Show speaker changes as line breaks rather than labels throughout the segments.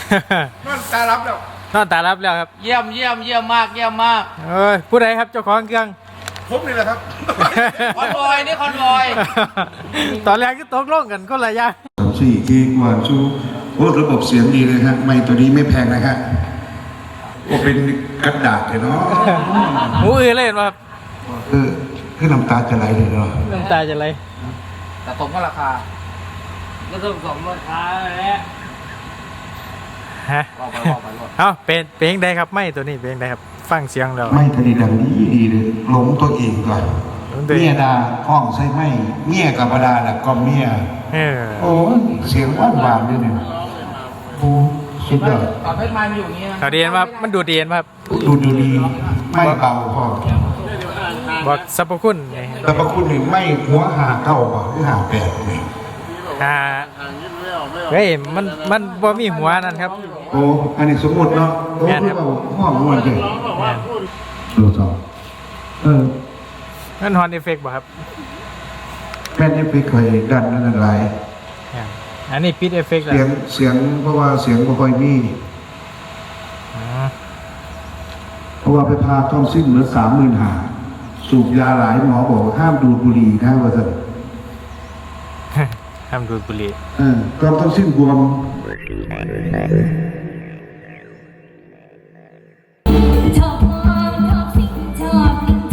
นอนตารับแล้ว
นอนตารับแล้วครับ
เยี่ยมมาก
เอ้ยผู้ใดครับเจ้าของเครื่อง
ผมนี่แหละครับ
คอนวอยนี่คอนวอย
ตอนแรกก็ตกลงกันคนละอย่าง
4 เกกว่าชูโอ้ระบบเสียงดีเลยฮะไมค์ตัวนี้ไม่แพงนะฮะโอ้เป็นกระดาษเลยเนาะ
หูอื้อเลยเห็นป่ะครับ
คือน้ำตาจะไหลเลยเนาะ
น้ำตาจะไหล
แต่ตรงก็ราคาก็ต้องสมราคาแหละ
ฮะ
บอกไปรถ
เอาเป็นเพลงใดครับไม่ตัวนี้เพลงใดครับฟังเสียงแล้ว
ไม่ทะเลดังดีเลยหลงตัวเองก่อนเมียดาห้องใช่ไหมเมียกับบดาแหละก็เมีย
เออ
โอ้เสียงหวานด้วยเนี่ยโอ้สุดยอด
ตอนเพชรมันอยู่อย่างนี้นะ
เขาเรียนว่ามันดูดีเห็นป่ะครับ
ดูดีไม่เบาพอ
บอกสรรพคุณนี่
แต่บางคนนี่ไม่หัวหาเก้าป่ะหรือหาแปดนี่
อ่าเฮ้ยมันบ่มีหัวนั่นครับ
โอ้อันนี้สมมติเนาะโอ้
แม่น
คื
ครั
อบ เราห้องมันเลย
แม่น
ดูต่อ
นั่นฮอนเอฟเฟกต์บ่ครับ
แม่นี่ไปเคยดันนั่นอะไร
อันนี้ปิดเอฟเฟกต์แล้ว
เสียงเพราะว่าเสียงบ่ค่อยมี
อ๋อ
เพราะว่าไปพาท้องสิ้นเหลือ35,000สูบยาหลายหมอบอกห้ามดูดบุหรี่นะว่าซั่น
ห้ามดูดบุหรี่
ก็ท้องสิ้นบวม
ชอบสิ่งชอบ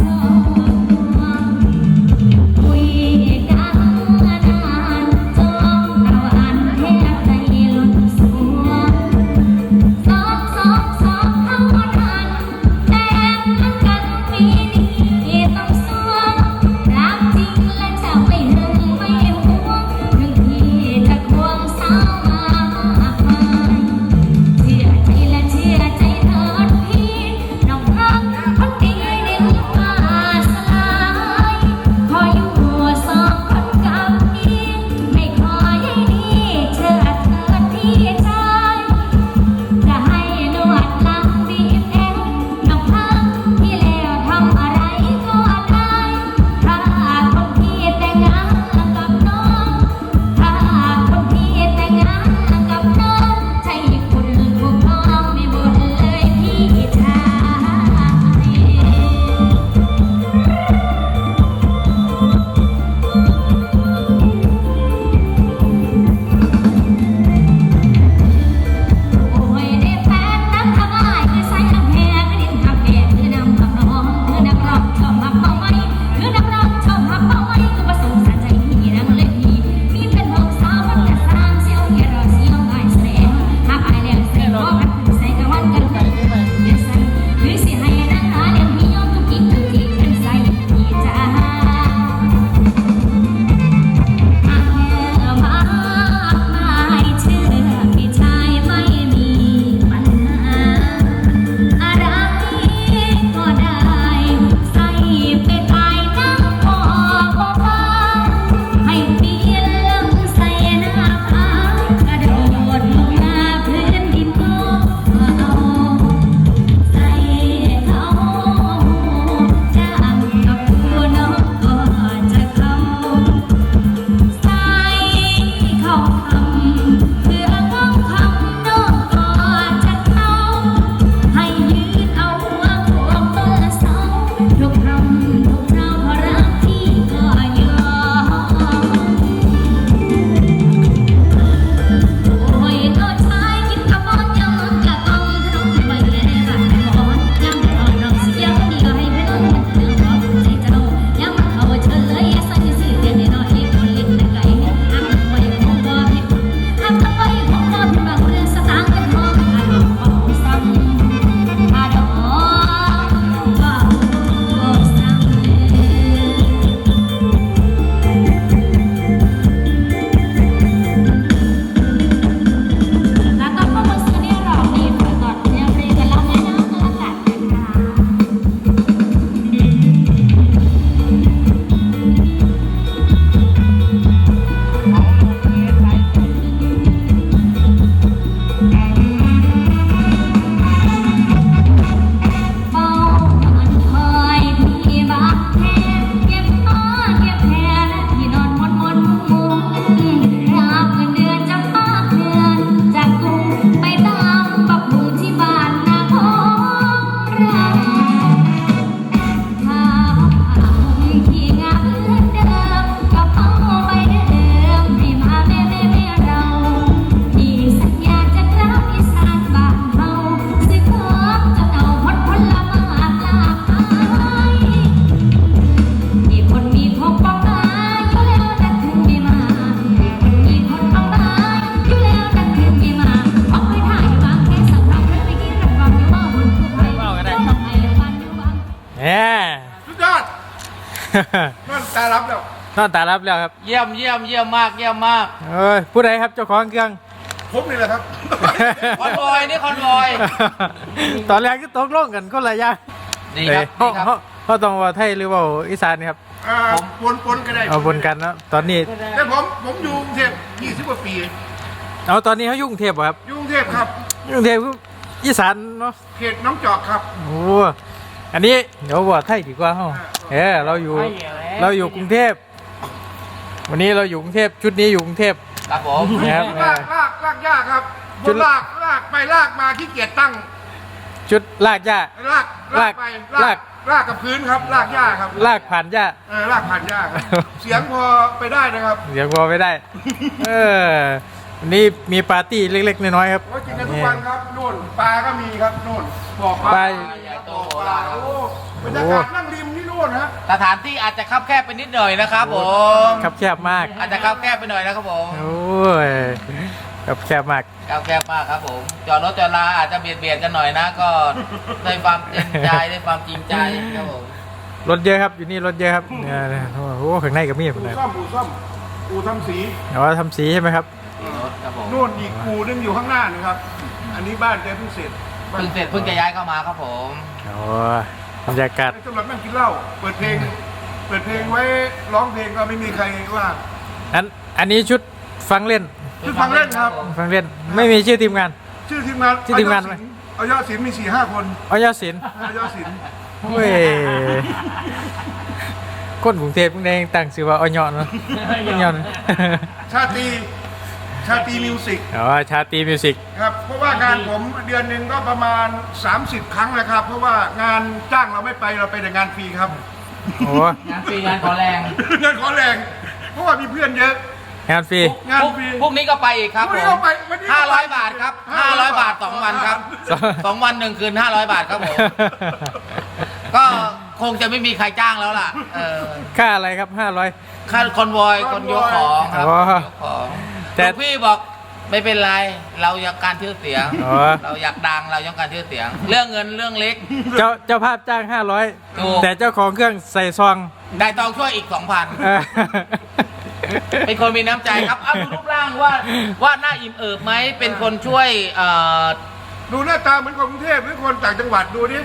คุยกันนานจองเราอ่านแทบใจหล่นสวงสองเข้าทันแต่มันกันปีนี้ต้องสวงรักจริงและจะไม่หึงไม่หวงถึงที่จะควงสาวมากมาย
สุดยอดนั่นตารับแล้ว
นอนตารับแล้วครับ
เยี่ยมเยี่ยมเยี่ยมมากเยี่ยมมาก
เอ้ยผู้ใดครับเจ้าของเครื่อง
ผมนี่แหละครับ
คอนวอยนี่คอนวอย
ตอนแรกก็ตกลงกันคนละอย่าง
ดีครับ
เอ้ย
ดีครับ
เขาต้องว่าไทยหรือว่าอีสานครับ
ปนก็ได้
เอาบนกันเนาะตอนนี้
แต่ผมอยู่กรุงเทพ20 กว่าปี
เอาตอนนี้เขายุ่กรุงเทพเหรอครับ
อยู่กรุงเทพครับ
ยุ่กรุงเทพคืออีสานเนาะ
เขตน้องจอกครับ
โอ้อันนี้เดี๋ยวว่าไทยดีกว่าเฮาเราอยู่กรุงเทพวันนี้เราอยู่กรุงเทพชุดนี้อยู่กรุงเทพ
ครับผม
นะครับ
ลากยากครับผมลากไปลากมาขี้เกียจตั้ง
ชุดลากหญ้า
ลากไปลากกับพื้นครับ ลากหญ้าครับ
ลากผ่านหญ้า
ลากผ่านหญ้าครับ เสียงพอไปได้นะครับ
เสียงพอไม่ได้ วันนี้มีปาร์ตี้เล็กๆน้อยๆครับ
โอ้ยกินกันทุกวันครับนู่นปลาก็มีครับนู่นบ่อปลา
ปลา
บ่อปลาโอ้บรรยากาศนั่งริมที่นู่นฮะ
สถานที่อาจจะคับแคบไปนิดหน่อยนะครับผม
ครับแคบมาก
อาจจะคับแคบไปหน่อยนะครับผม
โอ้ยครับแคบมาก
คับแคบมากครับผมจอดรถจอดลาอาจจะเบียดกันหน่อยนะก็ด้วยความเต็มใจด้วยความจริงใจครับผม
รถเยอะครับอยู่นี่รถเยอะครับเนี่ยโอ้โหข้างในก็มีคน
อู่
เลย
ซ่อมอู่ทำสี
แต่ว่าทำสีใช่ไหมครับ
รถครับผม
นู่นอีกอู่นึงอยู่ข้างหน้านี่ครับ อันนี้บ้านแกเพิ่งเสร็จ
เพิ่งเสร็จเพิ่งจะย้ายเข้ามาครับผม
โอ้บรรยากาศ
สำหรับนั่งกินเหล้าเปิดเพลงไว้ร้องเพลงก็ไม่มีใครว่า
อันนี้ชุดฟังเล่น
คือฟังเล่นครับ
ฟังเล่นไม่มีชื่อทีมงาน
ชื่อทีมงาน
ชื่อทีมงานไหม
เอายอดศิลป์มี 4-5 คน
เอายอดศิลป์
เอายอดศิลป์
เว้ยคนกรุงเทพเพิ่งได้ตั้งชื่อว่าอ้อยเนาะอ้อยเนาะ
ชาตรีมิวสิก
อ๋อชาตรีมิวสิก
ครับเพราะว่างานผมเดือนหนึ่งก็ประมาณ 30 ครั้งนะครับ เพราะว่างานจ้างเราไม่ไปเราไปแต่งานฟรีครับ
โอ้
งานฟรีงานขอแรง
งานขอแรง เพราะว่ามีเพื่อนเยอะ
งานฟรี
งานฟรี
พรุ่งนี้ก็ไปอีกครับ
พรุ่ง
ผ
นี้
ม
ก็ไปวันนี้ก็ไป
500 บาทครับ500 บาท2 วันครับ 2 วัน 1 คืน 500 บาทครับผม ก็คงจะไม่มีใครจ้างแล้วล่ะ
ค่าอะไรครับ500
ค่าคอนวอยคนยกของครับ
อ๋อ
ยกของ
แต่
แต่พี่บอกไม่เป็นไร เราอยากการชื่อเสียง
อ๋อ
เราอยากดังเราอยากการชื่อเสียง เรื่องเงินเรื่องเล็ก
เจ้าภาพจ้าง
ถูก
500แต่เจ้าของเครื่องใส่ซอง
ได้ตองช่วยอีก
เออ
2,000 เป็นคนมีน้ำใจครับเอาดูรูปร่างว่าหน้าอิ่มเอิบไหมเป็นคนช่วย
ดูหน้าตาเหมือนคนกรุงเทพหรือคนต่างจังหวัดดูนี่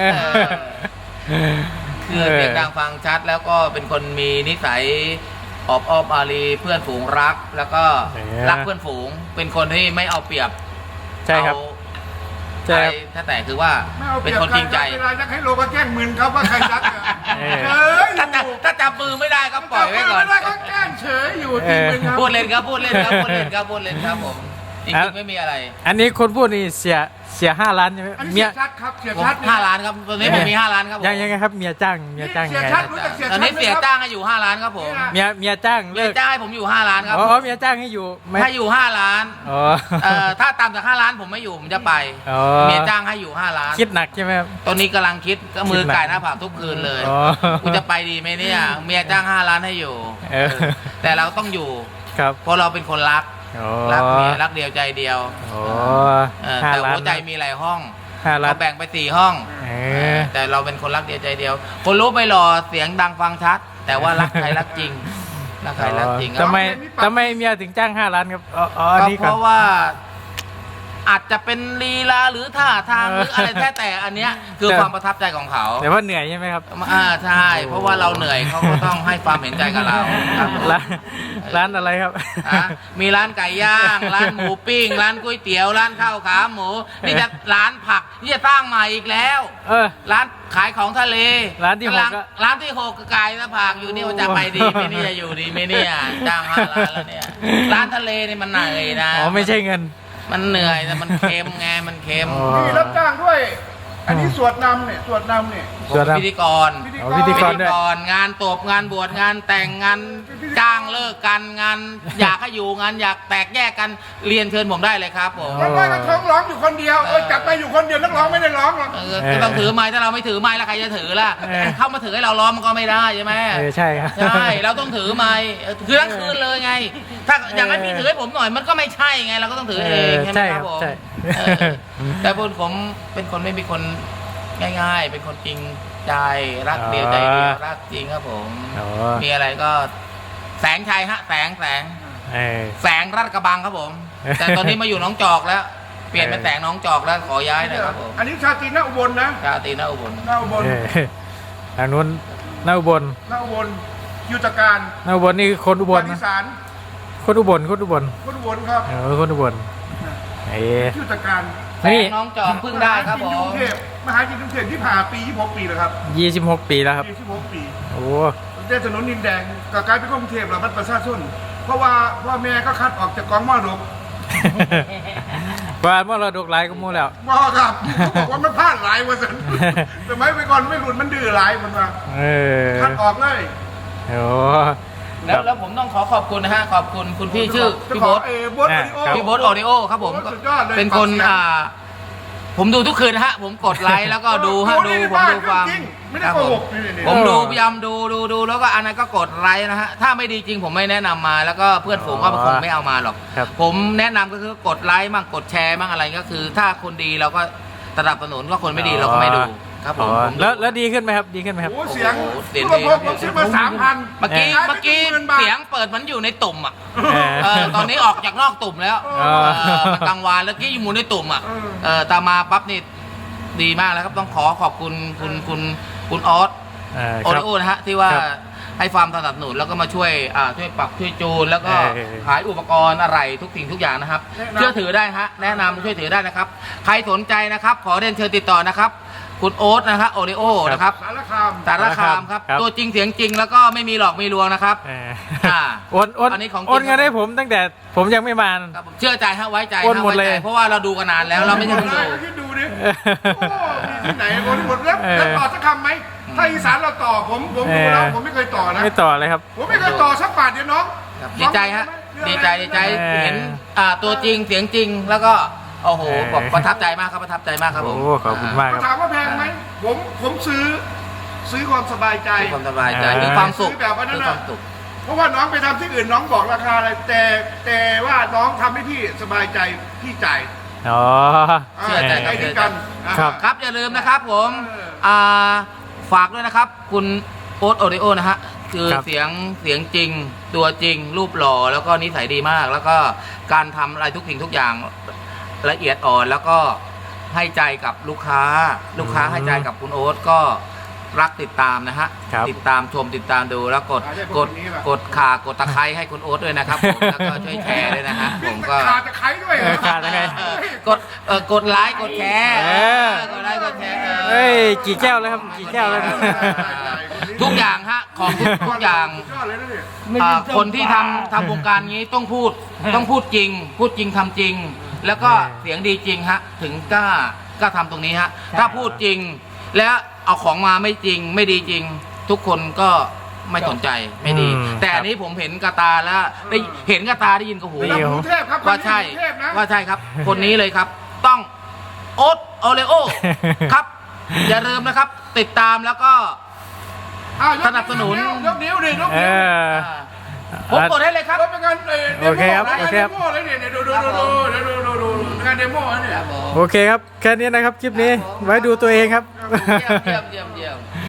คือเสียงดังฟังชัดแล้วก็เป็นคนมีนิสัยอบอ้อมอารีเพื่อนฝูงรัก แล้วก็
เนี่ย
รักเพื่อนฝูง เป็นคนที่ไม่เอาเปรียบ
ใช่ครับ
เอา
ใช่ครับ
ใครถ้าแต่คือว่า
ไม่เอาเป
เป็
รี
น
ยบ
คนจริงใจ
เวลาจะให้โลก็แกล้งมึนครับว่าใครรักอะ
เออ
เฉยอยู่
ถ้าจับมือไม่ได้ก็ปล่อยไว้ก่อน
ไม่ได้ก็แกล้งเฉยอยู่จริงเป็นครับ
พูดเล่นครับพูดเล่นครับพูดเล่นครับพูดเล่นครับผมจริงๆไม่มีอะไร
อันนี้คนพูดนี่เสีย5 ล้านใช่ไหม
อันนี้
เมี
เสี
ย
ยชัดครับเสีย
ผม
ชัด
5 ล้านครับตอนนี้ผมมี5 ล้านครับผม
ยังไงครับเมียจ้างยังไง
เสียชัดรู้จักเสีย
ตอน
ชัด
นี้เสีย
ไหมครับ
จ้างให้อยู่5 ล้านครับผม
เมียจ้าง
เมี
เลิ
ย
ก
จ้างให้ผมอยู่5 ล้านครับ
อ๋อเมียจ้างให้อยู่ไหม
ให้อยู่5 ล้าน
อ๋อ
ถ้าต่ำจาก5 ล้านผมไม่อยู่ผมจะไป
อ๋อ
เมียจ้างให้อยู่5 ล้าน
คิดหนักใช่ไหมครับ
ตอนนี้กำลังคิดก็มือไก่หน้าผากทุกคืนเลย
อ๋อ
กูจะไปดีไหมเนี่ยเมียจ้าง5 ล้านให้อยู่
เออ
แต่เราต้องอยู่
ครับ
เพราะเราเป็นคนรัก
อ๋อ
รักเมียรักเดียวใจเดียว
อ๋อ
แต่
5 ล้าน
หัวใจมีหลายห้อง
5 ล้าน
เราแบ่งไป4 ห้อง
เออ
แต่เราเป็นคนรักเดียวใจเดียว คนรู้ไม่หล่อเสียงดังฟังชัด แต่ว่ารักใครรักจริงรักใครรักจริงครับ
ทำไมเมียถึงจ้าง5 ล้านครับอ๋ออัน
ก็
นี้
เพ
ก่อน
ราะว่าอาจจะเป็นลีลาหรือท่าทางหรืออะไรแต่อันเนี้ยคือความประทับใจของเขา
แต่ว่าเหนื่อยใช่ไหมครับ
ใช่ เพราะว่าเราเหนื่อยเขาก็ต้องให้ความเห็นใจกับเราครับ
ร้านอะไรครับ
มีร้านไก่ย่าง ร้านหมูปิ้ง ร้านก๋วยเตี๋ยว ร้านข้าวขาหมู นี่จะร้านผักนี่จะตั้งใหม่อีกแล้ว
เออ
ร้านขายของทะเล
ร้านที่หก
กำลัง
ก็
ร้านที่6ก็ไก่และผักอยู่นี่ว่าจะไปดีไหมเนี่ยอยู่ดีไหมเนี่ยจ้าง5 ล้านแล้วเนี่ยร้านทะเลนี่มันเหนื่อยนะ
อ๋อไม่ใช่เงิน
มันเหนื่อยแต่มันเค็มไงมันเค็ม
อ๋อ
นี่รับจ้างด้วย อันนี้สวดนำเนี่ยสวดนำเนี่ย
ส่วนครับ
พิธีกร
อ๋อพิธีกรด้วย
งานตบงานบวชงานแต่งงานจ้างเลิกกันงานอยากให้อยู่งานอยากแตกแยกกันเรียนเชิญผมได้เลยครับผม
แล้วก็ท้องร้องอยู่คนเดียวจับไปอยู่คนเดียวนักร้องไม่ได้ร้องหรอก
ก็ต้องถือไม้ถ้าเราไม่ถือไม้แล้วใครจะถือล่ะเข้ามาถือให้เราล้อมมันก็ไม่ได้ใช่ไหม
ใช่ครับ
ใช่เราต้องถือไม้คือทั้งคืนเลยไง ถ้าอย่างนั้นพี่ถือให้ผมหน่อยมันก็ไม่ใช่ไงเราก็ต้องถือเองใช่ไหมครับผม
ใช่
แต่ผมเป็นคนไม่มีคนง่ายๆ เป็นคนจริงใจรักเดียวใจเดียวรักจริงครับผม
อ๋อ
มีอะไรก็แสงชัยฮะแสง
เออ
แสงรัดกระบังครับผม แต่ตอนนี้มาอยู่หน้องจอกแล้ว เปลี่ยนเป็นแสงหน้องจอกแล้วขอย้ายหน่อยครับผม
อันนี้ชาตรีหน้าอุบลนะ
ชาตรีนอุบล
หน้าอุบล
เออทางนู้นหน้าอุบล
หน้าอุบลยุทธการ
หน้าอุบลนี่คือคนอุบล
ปฏิ
นะ
สาร
คนอุบลคนอุบล
คนอุบลครับ
เออคนอุบลเออ
ยุทธการ
แส
นี่
งหน้องจอกเพิ่งได้ครับผม
กรุงเทพมหาวิทยาลัยกรุงเทพที่ผ่านปี26 ปีแล้วครับ
26 ปีแล้วครับ
26 ปี
โอ้
ได้ถนนดินแดงก็กลายเป็นกรุงเทพแล้วมันประชาชนเพราะว่าพ่อแม่ก็คัดออกจากกองมรดก
กว่าเมื่อเราดกหลายก็มู่แล้ว
บ่ครับเขาบอกว่ามันพลาดหลายวันสันแต่ไม่ไปก่อนไม่หลุดมันดื้อหลายมันมา
เออ
คัดออกเลย
โอ้
แล้วผมต้องขอบคุณนะฮะขอบคุณคุณพี่ชื่อพี่โบ๊ท
โบ๊ท
พี่โบ๊ทออดิโอครับผม
สุดยอดเลย
เป็นคนผมดูทุกคืนนะฮะผมกดไลค์แล้วก็ดูฮะดูผมดูฟัง
ไม่ได้
ครับ
โก
ผม
หกนี่
ผมดูพยายามดูแล้วก็อันนั้นก็กดไลค์นะฮะถ้าไม่ดีจริงผมไม่แนะนำมาแล้วก็เพื่อนฝูงก็คงไม่เอามาหรอก
ครับ
ผมแนะนำก็คือกดไลค์มั่งกดแชร์มั่งอะไรก็คือ ถ้าคนดีเราก็สนับสนุนก็คนไม่ดีเราก็ไม่ดูครับผม
อ๋อ
ผมดู
แล้วดีขึ้นไหมครับดีขึ้นไหมครับ
โอ้เสียง
โอ้โหเสียง
ตัว
ดี
ผมซื้อมา3,000
เมื่อกี้เสียงเปิดมันอยู่ในตุ่มอ่ะ
เออ
ตอนนี้ออกจากนอกตุ่มแล้ว
เออ
มันกลางวานแล้วกี้อยู่ในตุ่มอ่ะตามมาปั๊บนี่ดีมากแล้วครับต้องขอบคุณคุณออส
เออ
โอ
ครั
ริ
บ
โอนะฮะที่ว่า
ครับ
ให้ความสนับสนุนแล้วก็มาช่วยปรับช่วยจูนแล้วก็
เออ
ขายอุปกรณ์อะไรทุกสิ่งทุกอย่างนะครับเชื่อถือได้ฮะแนะนำช่วยถือได้นะครับใครสนใจนะครับขอเรียนเชิญติดต่อนะครับคุณโอ๊ตนะครับโอริโอนะครับ
สารคาม
สารคามครับ
ครับ
ตัวจริงเสียงจริงแล้วก็ไม่มีหลอกมีลวงนะครับ
เออ
อ่า
โอนโอน
อันนี้ของจริง
โอนเงินให้ผมตั้งแต่ผมยังไม่มา
ครับผมเชื่อใจฮะไว้ใจ
โอน
ฮะ
หมด
ไว้
เลย
ใจเพราะว่าเราดูกันนานแล้วเราไม่ใช่เพิ่งดู
คิดดูดิโอ้มีที่ไหนโอ้ที่หมดแล้วต่อสักคำไหมถ้าอีสานเราต่อผมดูแล้วผมไม่เคยต่อนะ
ไม่ต่อเลยครับ
ผมไม่เคยต่อสักบาทเดียวน้อง
ครับดีใจฮะดีใจ
เออ
เห็นตัวจริงเสียงจริงแล้วก็โอ้โห
เออ
บอกประทับใจมากครับประทับใจมากครับผม
โอ้ขอบคุณมากครับ
ถามว่าแพงไหมผมซื้อความสบายใจ
มีความสบายใจ
เออ
มีความสุข
ซื้อแบบว่านั้น
มี
น่ะ
ความสุข
เพราะว่าน้องไปทำที่อื่นน้องบอกราคาอะไรแต่ว่าน้องทำให้พี่สบายใจพี่จ่าย
อ๋อ
เชื่อใจ
ใจถึงกัน
ครับ
ครับอย่าลืมนะครับผม
เออ
ฝากด้วยนะครับ คุณโอ๊ตโอริโอนะฮะคือ
ครับ
เสียงจริง ตัวจริง รูปหล่อแล้วก็นิสัยดีมาก แล้วก็การทำอะไรทุกสิ่งทุกอย่างละเอียดอ่อนแล้วก็ให้ใจกับลูกค้าให้ใจกับคุณโอ๊ตก็รักติดตามนะฮะ
ครับ
ติดตามชมติดตามดูแล้วกด
ใช่
กด
คนนี้แหละ
กดข่ากดตะไคร้ให้คุณโอ๊ตด้วยนะครับผมแล้วก็ช่วยแชร์ด้วยนะฮะผมก็
ขาดตะไคร้ด้วยเหรอ
ขาดตะไคร้
กดไลค์กดแชร์
เออ
กดไลค์กดแชร์
เฮ้ยกี่แก้วแล้วครับกี่แก้วแล้ว
ทุกอย่างฮะของทุกอย่าง
ยอดเลยนะเนี่ย
คนที่ทำวงการนี้ต้องพูดจริง พูดจริงทำจริง แล้วก็เสียงดีจริงฮะถึงกล้าทำตรงนี้ฮะถ้าพูดจริง แล้วเอาของมาไม่จริงไม่ดีจริง ทุกคนก็ไม่สนใจไม่ดี แต่อันนี้ผมเห็นกระตาแล้วได้เห็นกระตาได้ยินกับหู
ได้ยิน
กรุงเทพครับ
ว่าใช่
กรุงเทพนะ
ว่าใช่ครับ คนนี้เลยครับ ต้องโอ๊ตโอเลโอครับ อย่าลืมนะครับ ติดตามแล้วก็
อ้าวยก
สนับสนุน
ยกนิ้วดิยก
เอ
นิ้ว
อ
ผมกดให้เลยครับ
แล้วเป็นงานเด
โอเคครับ
โม
โอเคครับ
เดโมเลยเนี่ยดูงานเดโมนะเนี่ย
โอเคครับ แค่นี้นะครับ คลิปนี้ ไว้ดูตัวเองครับ
เยี่ยม